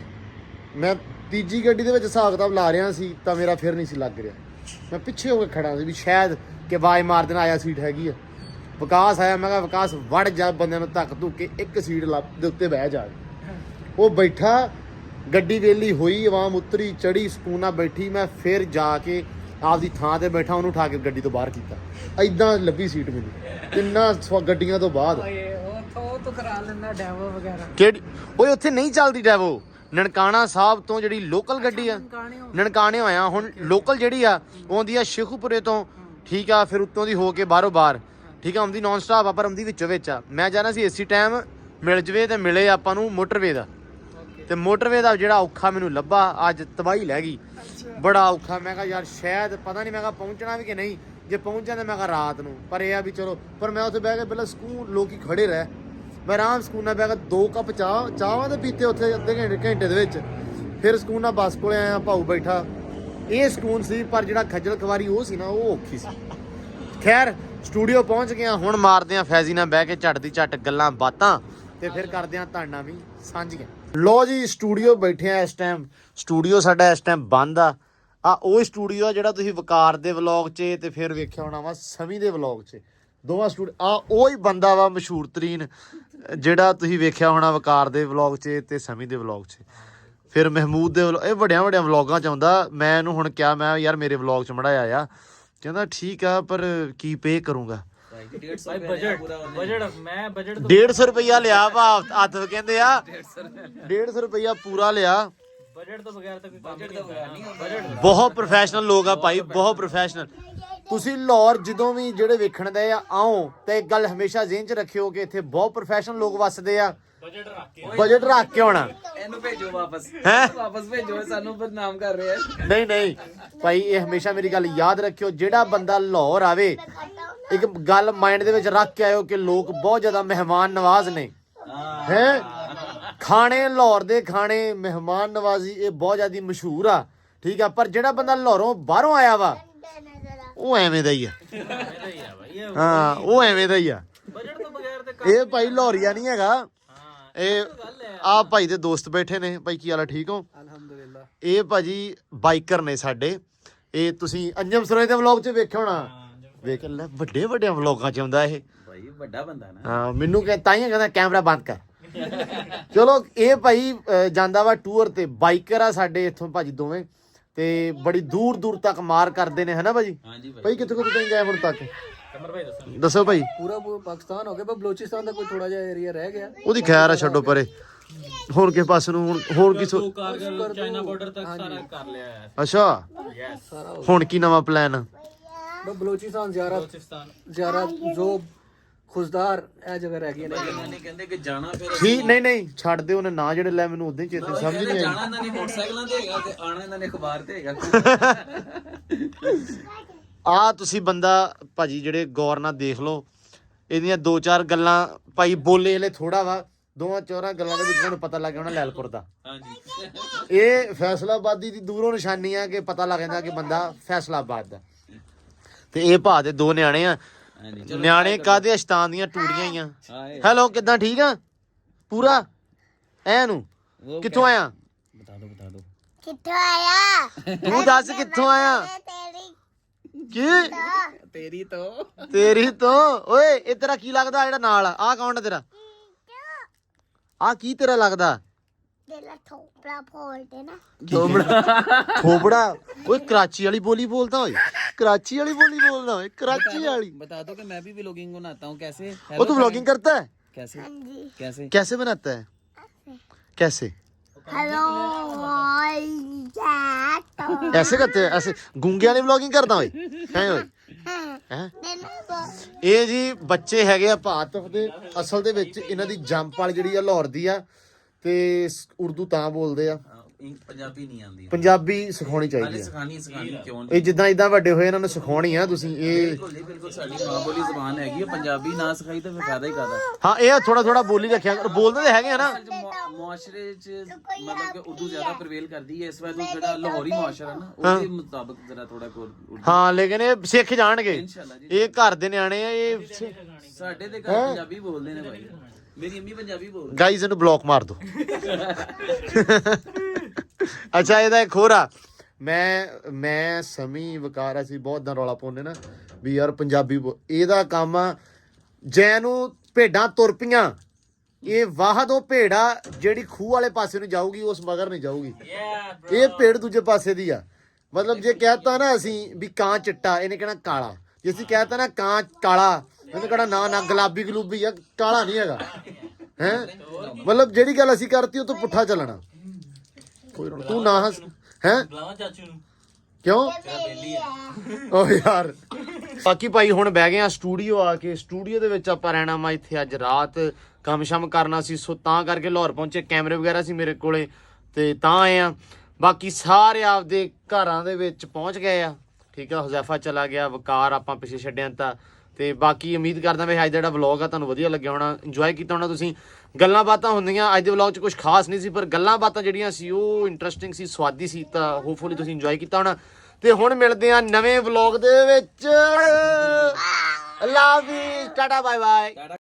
ਮੈਂ ਤੀਜੀ ਗੱਡੀ ਦੇ ਵਿੱਚ ਹਿਸਾਬ ਕਿਤਾਬ ਲਾ ਰਿਹਾ ਸੀ ਤਾਂ ਮੇਰਾ ਫਿਰ ਨਹੀਂ ਸੀ ਲੱਗ ਰਿਹਾ। ਮੈਂ ਪਿੱਛੇ ਹੋ ਕੇ ਖੜਾ ਸੀ ਵੀ ਸ਼ਾਇਦ ਕਿ ਆਵਾਜ਼ ਮਾਰ ਦੇਣਾ ਆਇਆ ਸੀਟ ਹੈਗੀ ਆ। ਵਿਕਾਸ ਆਇਆ। ਮੈਂ ਕਿਹਾ ਵਿਕਾਸ ਵੜ ਜਾ ਬੰਦਿਆਂ ਨੂੰ ਧੱਕ ਧੁੱਕ ਕੇ ਇੱਕ ਸੀਟ ਦੇ ਉੱਤੇ ਬਹਿ ਜਾ। ਉਹ ਬੈਠਾ। ਗੱਡੀ ਵੇਲੀ ਹੋਈ, ਆਵਾਮ ਉਤਰੀ ਚੜੀ ਸਕੂਨ ਨਾਲ ਬੈਠੀ। ਮੈਂ ਫਿਰ ਜਾ ਕੇ ਆਪਦੀ ਥਾਂ ਤੇ ਬੈਠਾ, ਉਹਨੂੰ ਉਠਾ ਕੇ ਗੱਡੀ ਤੋਂ ਬਾਹਰ ਕੀਤਾ। ਐਦਾਂ ਲੱਭੀ ਸੀਟ ਮੈਨੂੰ ਤਿੰਨਾਂ ਗੱਡੀਆਂ ਤੋਂ ਬਾਅਦ।
ਉਹ ਤੋਂ ਕਰਾ ਲੈਂਦਾ ਡੈਵੋ ਵਗੈਰਾ।
ਕਿਹੜੀ ਓਏ ਉੱਥੇ ਨਹੀਂ ਚੱਲਦੀ ਡੈਵੋ। ਨਨਕਾਣਾ ਸਾਹਿਬ ਤੋਂ ਜਿਹੜੀ ਲੋਕਲ ਗੱਡੀ ਆ ਨਨਕਾਣੇ ਹੋਇਆ। ਹੁਣ ਲੋਕਲ ਜਿਹੜੀ ਆ ਉਹ ਆਉਂਦੀ ਆ ਸ਼ੇਖੂਪੁਰੇ ਤੋਂ। ਠੀਕ ਆ ਫਿਰ ਉੱਤੋਂ ਦੀ ਹੋ ਕੇ ਬਾਹਰੋਂ ਬਾਹਰ। ਠੀਕ ਆ ਆਉਂਦੀ ਨੌਨ ਸਟਾਪ ਆ ਪਰ ਆਉਂਦੀ ਵਿੱਚੋਂ ਵਿੱਚ ਆ। ਮੈਂ ਜਾਣਾ ਸੀ ਏਸੀ ਟਾਈਮ ਮਿਲ ਜਵੇ ਤੇ ਮਿਲੇ ਆਪਾਂ ਨੂੰ ਮੋਟਰਵੇ ਦਾ। ਤੇ ਮੋਟਰਵੇ ਦਾ ਜਿਹੜਾ ਔਖਾ ਮੈਨੂੰ ਲੱਭਾ ਅੱਜ ਤਬਾਹੀ ਲੈ ਗਈ। ਬੜਾ ਔਖਾ। ਮੈਂ ਕਿਹਾ ਯਾਰ ਸ਼ਾਇਦ ਪਤਾ ਨਹੀਂ ਮੈਂ ਕਿਹਾ ਪਹੁੰਚਣਾ ਵੀ ਕਿ ਨਹੀਂ। ਜੇ ਪਹੁੰਚ ਜਾਂਦੇ ਮੈਂ ਕਿਹਾ ਰਾਤ ਨੂੰ। ਪਰ ਇਹ ਆ ਵੀ ਚਲੋ। ਪਰ ਮੈਂ ਉੱਥੇ ਬਹਿ ਕੇ ਪਹਿਲਾਂ ਸਕੂਨ ਲੋਕੀ ਖੜੇ ਰਹਿ। ਮੈਂ ਆਰਾਮ ਸਕੂਨ ਨਾਲ ਬਹਿ ਕੇ ਦੋ ਕੱਪ ਚਾਹ ਚਾਹਾਂ ਦੇ ਪੀਤੇ ਉੱਥੇ ਅੱਧੇ ਘੰਟੇ ਘੰਟੇ ਦੇ ਵਿੱਚ। ਫਿਰ ਸਕੂਨ ਨਾਲ ਬੱਸ ਕੋਲੇ ਆਇਆ। ਭਾਊ ਬੈਠਾ। ਇਹ ਸਕੂਨ ਸੀ ਪਰ ਜਿਹੜਾ ਖੱਜਲ ਖਵਾਰੀ ਉਹ ਸੀ ਨਾ ਉਹ ਔਖੀ ਸੀ। ਖੈਰ ਸਟੂਡੀਓ ਪਹੁੰਚ ਗਿਆ। ਹੁਣ ਮਾਰਦੇ ਆ ਫੈਜ਼ੀ ਨਾਲ ਬਹਿ ਕੇ ਝੱਟ ਦੀ ਝੱਟ ਗੱਲਾਂ ਬਾਤਾਂ ਤੇ ਫਿਰ ਕਰਦੇ ਆ ਤੁਹਾਡੇ ਨਾਲ ਵੀ ਸਾਂਝੀਆਂ। ਲੋ ਜੀ ਸਟੂਡੀਓ ਬੈਠੇ ਆ ਇਸ ਟਾਈਮ। ਸਟੂਡੀਓ ਸਾਡਾ ਇਸ ਟਾਈਮ ਬੰਦ ਆ। ਆ ਉਹ ਸਟੂਡੀਓ ਆ ਜਿਹੜਾ ਤੁਸੀਂ ਵਕਾਰ ਦੇ ਵਲੌਗ 'ਚ ਤੇ ਫਿਰ ਵੇਖਿਆ ਹੋਣਾ ਵਾ ਸਮੀ ਦੇ ਵਲੌਗ 'ਚ। ਦੋਵਾਂ ਸਟੂਡੀਓ ਆ ਉਹ ਹੀ ਬੰਦਾ ਵਾ ਮਸ਼ਹੂਰ ਤਰੀਨ ਜਿਹੜਾ ਤੁਸੀਂ ਵੇਖਿਆ ਹੋਣਾ ਵਕਾਰ ਦੇ ਵਲੌਗ 'ਚ ਤੇ ਸਮੀ ਦੇ ਵਲੌਗ 'ਚ। ਫਿਰ ਮਹਿਮੂਦ ਦੇ ਵਲੌਗ, ਇਹ ਵੱਡਿਆਂ ਵੱਡਿਆਂ ਵਲੌਗਾਂ 'ਚ ਆਉਂਦਾ। ਮੈਂ ਇਹਨੂੰ ਹੁਣ ਕਿਹਾ ਮੈਂ ਯਾਰ ਮੇਰੇ ਵਲੌਗ 'ਚ ਮੜਾਇਆ ਆ। ਕਹਿੰਦਾ ਠੀਕ ਆ ਪਰ ਕੀ ਪੇ ਕਰੂੰਗਾ। ਡੇਢ ਸੌ ਰੁਪਇਆ ਲਿਆ ਵਾ ਹੱਥ ਕਹਿੰਦੇ ਆ ਡੇਢ ਸੌ ਰੁਪਇਆ ਪੂਰਾ ਲਿਆ।
ਬਜਟ ਤੋਂ ਬਗੈਰ ਤਾਂ ਕੋਈ ਬਜਟ ਤੋਂ ਬਗੈਰ ਨਹੀਂ ਬਜਟ
ਬਹੁਤ ਪ੍ਰੋਫੈਸ਼ਨਲ ਲੋਕ ਆ ਭਾਈ, ਬਹੁਤ ਪ੍ਰੋਫੈਸ਼ਨਲ। ਤੁਸੀਂ ਲਾਹੌਰ ਜਦੋਂ ਵੀ ਜਿਹੜੇ ਵੇਖਣ ਦੇ ਆ ਆਓ ਤੇ ਇੱਕ ਗੱਲ ਹਮੇਸ਼ਾ ਜ਼ਿਹਨ 'ਚ ਰੱਖਿਓ ਕਿ ਇੱਥੇ ਬਹੁਤ ਪ੍ਰੋਫੈਸ਼ਨਲ ਲੋਕ ਵੱਸਦੇ ਆ।
ਬਜਟ ਰੱਖ ਕੇ
ਬਜਟ ਰੱਖ ਕੇ ਆਉਣਾ।
ਇਹਨੂੰ ਭੇਜੋ ਵਾਪਸ
ਹੈਂ?
ਵਾਪਸ ਭੇਜੋ, ਸਾਨੂੰ ਬਦਨਾਮ ਕਰ ਰਹੇ ਆ।
ਨਹੀਂ ਨਹੀਂ ਭਾਈ ਇਹ ਹਮੇਸ਼ਾ ਮੇਰੀ ਗੱਲ ਯਾਦ ਰੱਖਿਓ, ਜਿਹੜਾ ਬੰਦਾ ਲਾਹੌਰ ਆਵੇ ਇੱਕ ਗੱਲ ਮਾਈਂਡ ਦੇ ਵਿੱਚ ਰੱਖ ਕੇ ਆਇਓ ਕਿ ਲੋਕ ਬਹੁਤ ਜ਼ਿਆਦਾ ਮਹਿਮਾਨ ਨਵਾਜ਼ ਨੇ। ਹੈ ਖਾਣੇ ਲਾਹੌਰ ਦੇ ਖਾਣੇ ਮਹਿਮਾਨ ਨਵਾਜ਼ੀ ਇਹ ਬਹੁਤ ਜ਼ਿਆਦਾ ਮਸ਼ਹੂਰ ਆ, ਠੀਕ ਆ। ਪਰ ਜਿਹੜਾ ਬੰਦਾ ਲਾਹੌਰੋਂ ਬਾਹਰੋਂ ਆਇਆ ਵਾ ਉਹ ਐਵੇਂ ਦਾ ਹੀ ਆ। ਹਾਂ ਉਹ ਐਵੇਂ ਦਾ ਹੀ ਆ।
ਬਜਟ ਤੋਂ ਬਗੈਰ ਤੇ
ਇਹ ਭਾਈ ਲਾਹੌਰੀਆ ਨਹੀਂ ਹੈਗਾ। ਇਹ ਆ ਭਾਈ ਦੇ ਦੋਸਤ ਬੈਠੇ ਨੇ। ਭਾਈ ਕੀ ਹਾਲ ਆ, ਠੀਕ ਹੋ?
ਅਲਹਮਦੁਲਿਲਾ।
ਇਹ ਭਾਜੀ ਬਾਈਕਰ ਨੇ ਸਾਡੇ। ਇਹ ਤੁਸੀਂ ਅੰਜਮ ਸਰੋਏ ਦੇ ਵਲੌਗ 'ਚ ਵੇਖਿਆ ਹੋਣਾ। ਵੇਖ ਲੈ ਵੱਡੇ ਵੱਡੇ ਵਲੌਗਾਂ 'ਚ ਆਉਂਦਾ ਇਹ
ਭਾਈ ਵੱਡਾ ਬੰਦਾ ਨਾ।
ਹਾਂ ਮੈਨੂੰ ਕਹ ਤਾਂ ਹੀ ਕਹਿੰਦਾ ਕੈਮਰਾ ਬੰਦ ਕਰ। ਚਲੋ ਇਹ ਭਾਈ ਅਹ, ਜਾਂਦਾ ਵਾ ਟੂਰ ਤੇ। ਬਾਈਕਰ ਆ ਸਾਡੇ ਇੱਥੋਂ ਭਾਜੀ ਦੋਵੇਂ ਤੇ ਬੜੀ ਦੂਰ ਦੂਰ ਤੱਕ ਮਾਰ ਕਰਦੇ ਨੇ, ਹਨਾ ਭਾਜੀ?
ਹਾਂਜੀ ਭਾਈ।
ਭਾਈ ਕਿੱਥੇ ਕਿੱਥੇ ਗਏ ਹੁਣ ਤੱਕ?
ਕਮਰ ਭਾਈ ਦੱਸੋ।
ਦੱਸੋ ਭਾਈ।
ਪੂਰਾ ਪੂਰਾ ਪਾਕਿਸਤਾਨ ਹੋ ਗਿਆ, ਪਰ ਬਲੋਚਿਸਤਾਨ ਦਾ ਕੋਈ ਥੋੜਾ ਜਿਹਾ ਏਰੀਆ ਰਹਿ ਗਿਆ।
ਉਹਦੀ ਖੈਰ ਆ, ਛੱਡੋ ਪਰੇ। ਹੋਰ ਕਿਸ ਪਾਸੇ ਨੂੰ ਹੁਣ ਹੋਰ ਕੀ ਸੋ-
ਕਾਰਗਲ ਚਾਈਨਾ ਬਾਰਡਰ ਤੱਕ ਸਾਰਾ ਕਰ ਲਿਆ ਹੈ।
ਅੱਛਾ
ਸਾਰਾ
ਹੁਣ ਕੀ ਨਵਾਂ ਪਲਾਨ?
ਬਸ ਬਲੋਚਿਸਤਾਨ ਜ਼ਿਆਰਾ
ਬਲੋਚਿਸਤਾਨ
ਜ਼ਿਆਰਾ ਜੋ ਖੁਸ਼ਦਾਰ ਇਹ ਜਗ੍ਹਾ ਰਹਿ ਗਈ ਨੇ।
ਇਹਨਾਂ ਨੇ ਕਹਿੰਦੇ ਕਿ ਜਾਣਾ ਫਿਰ
ਠੀਕ ਨਹੀਂ ਨਹੀਂ ਛੱਡ ਦਿਓ ਉਹਨੇ ਨਾਂ ਜਿਹੜੇ ਲੈ ਮੈਨੂੰ ਉਦੋਂ ਹੀ ਚੇਤੇ ਸਮਝ ਨਹੀਂ ਆਈ।
ਜਾਣਾ ਇਹਨਾਂ ਨੇ ਮੋਟਰਸਾਈਕਲਾਂ ਤੇ ਹੈਗਾ ਤੇ ਆਣਾ ਇਹਨਾਂ ਨੇ ਅਖਬਾਰ ਤੇ ਹੈਗਾ।
ਆ ਤੁਸੀਂ ਬੰਦਾ ਭਾਜੀ ਜਿਹੜੇ ਗੌਰ ਨਾਲ ਦੇਖ ਲਓ, ਇਹਦੀਆਂ ਦੋ ਚਾਰ ਗੱਲਾਂ ਭਾਈ ਬੋਲੇ ਹਲੇ ਥੋੜਾ ਵਾ, ਦੋਵਾਂ ਚੌਰਾਂ ਗੱਲਾਂ ਦੇ ਵਿੱਚ ਤੁਹਾਨੂੰ ਪਤਾ ਲੱਗ ਜਾਣਾ ਲੈਲਪੁਰ ਦਾ।
ਹਾਂਜੀ
ਇਹ ਫੈਸਲਾਬਾਦੀ ਦੀ ਦੂਰੋਂ ਨਿਸ਼ਾਨੀ ਆ ਕਿ ਪਤਾ ਲੱਗ ਜਾਂਦਾ ਕਿ ਬੰਦਾ ਫੈਸਲਾਬਾਦ ਦਾ। ਤੇ ਇਹ ਭਾ ਦੇ ਦੋ ਨਿਆਣੇ ਆ।
ਹਾਂਜੀ
ਨਿਆਣੇ ਕਾਹਦੇ ਅਸ਼ਤਾਨ ਦੀਆਂ ਟੂੜੀਆਂ ਹੀ ਆ।
ਹਾਏ
ਹੈਲੋ ਕਿੱਦਾਂ, ਠੀਕ ਆ ਪੂਰਾ ਐ ਨੂੰ? ਕਿੱਥੋਂ ਆਇਆ?
ਬਤਾ ਦੋ ਬਤਾ ਦੋ
ਕਿੱਥੋਂ ਆਇਆ?
ਤੂੰ ਦੱਸ ਕਿੱਥੋਂ ਆਇਆ?
ਤੇਰੀ
ਕੀ
ਤੇਰੀ ਤੋਂ
ਤੇਰੀ ਤੋਂ? ਓਏ ਇਹ ਤੇਰਾ ਕੀ ਲੱਗਦਾ ਜਿਹੜਾ ਨਾਲ ਆ? ਆਹ ਕੌਣ ਆ ਤੇਰਾ? ਆ ਕੀ ਤੇਰਾ ਲੱਗਦਾ?
ਤੇਰਾ ਥੋਪੜਾ ਫੋਲਦੇ ਨਾ।
ਥੋਬੜਾ ਥੋਬੜਾ ਓਏ ਕਰਾਚੀ ਵਾਲੀ ਬੋਲੀ ਬੋਲਦਾ ਓਏ, ਕਰਾਚੀ वाली बोली बोलना है, कराची वाली।
बता दो कि मैं भी व्लॉगिंग बनाता हूँ। कैसे?
वो तो व्लॉगिंग करता है?
कैसे कैसे
कैसे बनाता है? कैसे
हेलो
ऐसे करते हैं? ऐसे गूंगे वाली व्लॉगिंग करता ओए हैं ओए हैं? ਇਹ ਜੀ ਬੱਚੇ ਹੈਗੇ ਆ ਭਾਰਤ ਦੇ। ਅਸਲ ਦੇ ਵਿੱਚ ਇਹਨਾਂ ਦੀ ਜੰਪ ਵਾਲੀ ਜਿਹੜੀ ਆ ਲਾਹੌਰ ਦੀ ਆ ਤੇ ਉਰਦੂ ਤਾਂ ਬੋਲਦੇ ਆ,
ਪੰਜਾਬੀ ਨਹੀਂ ਆਉਂਦੀ।
ਪੰਜਾਬੀ ਸਿਖਾਉਣੀ ਚਾਹੀਦੀ ਆ।
ਸਿਖਾਣੀ ਸਿਖਾਣੀ ਕਿਉਂ?
ਇਹ ਜਿੱਦਾਂ ਇਦਾਂ ਵੱਡੇ ਹੋਏ ਇਹਨਾਂ ਨੂੰ ਸਿਖਾਉਣੀ ਆ ਤੁਸੀਂ। ਇਹ
ਬਿਲਕੁਲ ਨਹੀਂ, ਬਿਲਕੁਲ ਸਾਡੀ ਮਾਂ ਬੋਲੀ ਜ਼ਬਾਨ ਹੈਗੀ ਹੈ। ਪੰਜਾਬੀ ਨਾ ਸਿਖਾਈ ਤਾਂ ਫਿਰ ਫਾਇਦਾ ਹੀ ਕਾਹਦਾ?
ਹਾਂ ਇਹ ਥੋੜਾ ਥੋੜਾ ਬੋਲੀ ਰੱਖਿਆ ਕਰੋ। ਬੋਲਦੇ ਤਾਂ ਹੈਗੇ ਆ ਨਾ।
ਮੁਆਸ਼ਰੇ 'ਚ ਮਤਲਬ ਕਿ ਉਰਦੂ ਜ਼ਿਆਦਾ ਪ੍ਰਵੇਲ ਕਰਦੀ ਹੈ। ਇਸ ਵਾਰ ਜਿਹੜਾ ਲਾਹੌਰੀ ਮੁਆਸ਼ਰਾ ਨਾ ਉਹਦੇ ਮੁਤਾਬਕ ਜ਼ਰਾ ਥੋੜਾ ਕੋ ਉਰਦੂ।
ਹਾਂ ਲੇਕਿਨ ਇਹ ਸਿੱਖ ਜਾਣਗੇ।
ਇਨਸ਼ਾਅੱਲਾ ਜੀ।
ਇਹ ਘਰ ਦੇ ਨਿਆਣੇ ਆ। ਇਹ
ਸਾਡੇ ਦੇ ਘਰ ਪੰਜਾਬੀ ਬੋਲਦੇ ਨੇ ਭਾਈ। ਮੇਰੀ ਅੰਮੀ ਪੰਜਾਬੀ ਬੋਲਦੀ।
ਗਾਈਜ਼ ਇਹਨੂੰ ਬਲੌਕ ਮਾਰ ਦੋ। ਅੱਛਾ ਇਹਦਾ ਇੱਕ ਹੋਰ ਆ। ਮੈਂ ਮੈਂ ਸਮੀ ਵਕਾਰ ਅਸੀਂ ਬਹੁਤ ਦਾ ਰੌਲਾ ਪਾਉਂਦੇ ਨਾ ਵੀ ਯਾਰ ਪੰਜਾਬੀ ਬੋ- ਇਹਦਾ ਕੰਮ ਆ ਜੈ ਨੂੰ ਭੇਡਾਂ ਤੁਰ ਪਈਆਂ। ਇਹ ਵਾਹਦ ਉਹ ਭੇੜਾ ਜਿਹੜੀ ਖੂਹ ਵਾਲੇ ਪਾਸੇ ਨੂੰ ਜਾਊਗੀ, ਉਸ ਮਗਰ ਨਹੀਂ ਜਾਊਗੀ। ਇਹ ਭੇਡ ਦੂਜੇ ਪਾਸੇ ਦੀ ਆ। ਮਤਲਬ ਜੇ ਕਹਿਤਾ ਨਾ ਅਸੀਂ ਵੀ ਕਾਂ ਚਿੱਟਾ, ਇਹਨੇ ਕਹਿਣਾ ਕਾਲਾ। ਜੇ ਅਸੀਂ ਕਹਿਤਾ ਨਾ ਕਾਂ ਕਾਲਾ, ਇਹਨੇ ਕਹਿਣਾ ਨਾ ਨਾ ਗੁਲਾਬੀ ਗਲੂਬੀ ਆ, ਕਾਲਾ ਨਹੀਂ ਹੈਗਾ ਹੈ। ਮਤਲਬ ਜਿਹੜੀ ਗੱਲ ਅਸੀਂ ਕਰਤੀ ਉਹ ਤੋਂ ਪੁੱਠਾ ਚੱਲਣਾ। ਕੋਈ ਨਾ ਤੂੰ ਨਾ ਹੱਸ ਹੈ ਕਿਉਂ? ਓ ਯਾਰ ਬਾਕੀ ਭਾਈ ਹੁਣ ਬਹਿ ਗਏ ਆ ਸਟੂਡੀਓ ਆ ਕੇ। ਸਟੂਡੀਓ ਦੇ ਵਿੱਚ ਆਪਾਂ ਰਹਿਣਾ ਵਾ ਇੱਥੇ ਅੱਜ ਰਾਤ। ਕੰਮ ਸ਼ਮ ਕਰਨਾ ਸੀ ਸੋ ਤਾਂ ਕਰਕੇ ਲਾਹੌਰ ਪਹੁੰਚੇ। ਕੈਮਰੇ ਵਗੈਰਾ ਸੀ ਮੇਰੇ ਕੋਲੇ ਤੇ ਤਾਂ ਆਏ ਆ। ਬਾਕੀ ਸਾਰੇ ਆਪਦੇ ਘਰਾਂ ਦੇ ਵਿੱਚ ਪਹੁੰਚ ਗਏ ਆ। ਠੀਕ ਆ ਹੁਜ਼ੈਫਾ ਚਲਾ ਗਿਆ, ਵਕਾਰ ਆਪਾਂ ਪਿੱਛੇ ਛੱਡਿਆ ਤਾਂ। ਤੇ ਬਾਕੀ ਉਮੀਦ ਕਰਦਾ ਵੀ ਅੱਜ ਦਾ ਜਿਹੜਾ ਵਲੌਗ ਆ ਤੁਹਾਨੂੰ ਵਧੀਆ ਲੱਗਿਆ ਹੋਣਾ, ਇੰਜੋਏ ਕੀਤਾ ਹੋਣਾ ਤੁਸੀਂ। ਗੱਲਾਂ ਬਾਤਾਂ ਹੁੰਦੀਆਂ ਅੱਜ ਦੇ ਵਲੌਗ 'ਚ ਕੁਝ ਖਾਸ ਨਹੀਂ ਸੀ, ਪਰ ਗੱਲਾਂ ਬਾਤਾਂ ਜਿਹੜੀਆਂ ਸੀ ਉਹ ਇੰਟਰਸਟਿੰਗ ਸੀ, ਸਵਾਦੀ ਸੀ। ਤਾਂ ਹੋਪਫੁਲੀ ਤੁਸੀਂ ਇੰਜੋਏ ਕੀਤਾ ਹੋਣਾ। ਤੇ ਹੁਣ ਮਿਲਦੇ ਆ ਨਵੇਂ ਵਲੌਗ ਦੇ ਵਿੱਚ। ਅੱਲਾ ਹਾਫਿਜ਼, ਟਾਟਾ ਬਾਏ ਬਾਏ।